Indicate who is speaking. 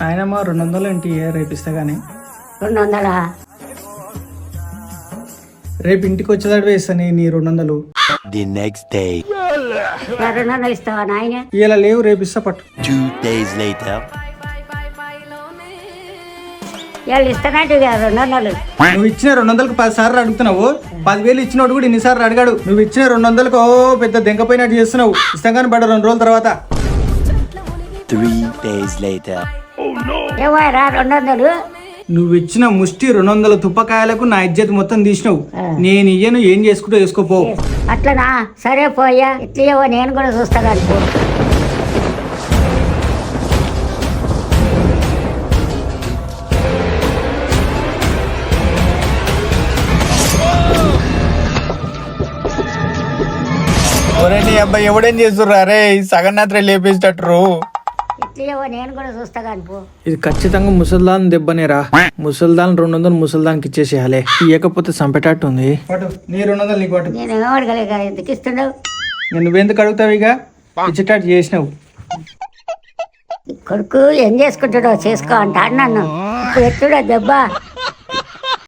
Speaker 1: ఆయన మా 200 ఏంటి రేపిస్తా కానీ
Speaker 2: 200.
Speaker 1: రేపు ఇంటికి వచ్చేదాడు వేస్తాను నీ 200.
Speaker 3: The next day.
Speaker 2: 200 ఇస్తావా నాయన?
Speaker 1: ఇలా లేవు రేపిస్తా పట్టు.
Speaker 3: 2 days later.
Speaker 2: వాళ్ళు ఇస్తానంటే 200.
Speaker 1: నువ్వు ఇచ్చిన 200కు 10 సార్లు అడుగుతున్నావు. 10,000 ఇచ్చినోడు కూడా ఇన్నిసార్లు అడిగాడు. నువ్వు ఇచ్చిన 200కు పెద్ద దెంకపోయినట్టు చేస్తున్నావు. ఇస్తాం కానీ పడ్డ 2 రోజుల తర్వాత.
Speaker 3: 3 days later.
Speaker 2: ఏమోరా 200?
Speaker 1: నువ్వు ఇచ్చిన ముష్టి 200 తుప్పకాయలకు నా ఇజ్జత్ మొత్తం తీసినావు. నేను ఇయ్యను, ఏం చేసుకుంటూ వేసుకోపో.
Speaker 2: అట్లనా? సరే పోయా, ఇట్లేవో నేను కూడా చూస్తా కానీ పో.
Speaker 4: నీ అబ్బాయి ఎవడేం చేస్తుర్రా రే సగం రాత్రి లేపేసేటట్టు.
Speaker 2: ఇట్లేవో నేను కూడా చూస్తా కానీ పో.
Speaker 1: ఇది ఖచ్చితంగా ముసల్దాన్ దెబ్బనేరా. ముసల్దాన్ 200 ముసల్దాన్కి ఇచ్చేసేయాలి. ఇవ్వకపోతే చంపేటట్టు ఉంది. నీ 200 నీకు పట్టు.
Speaker 2: నేను ఏమడగలేక ఎందుకు ఇస్తున్నావు?
Speaker 1: నువ్వెందుకు అడుగుతావు? ఇక ఇచ్చేటట్టు చేసినావు.
Speaker 2: కొడుకు ఏం చేసుకుంటాడో చేసుకో అంటాడు నన్ను. ఇప్పుడు ఎట్టుడో దెబ్బ.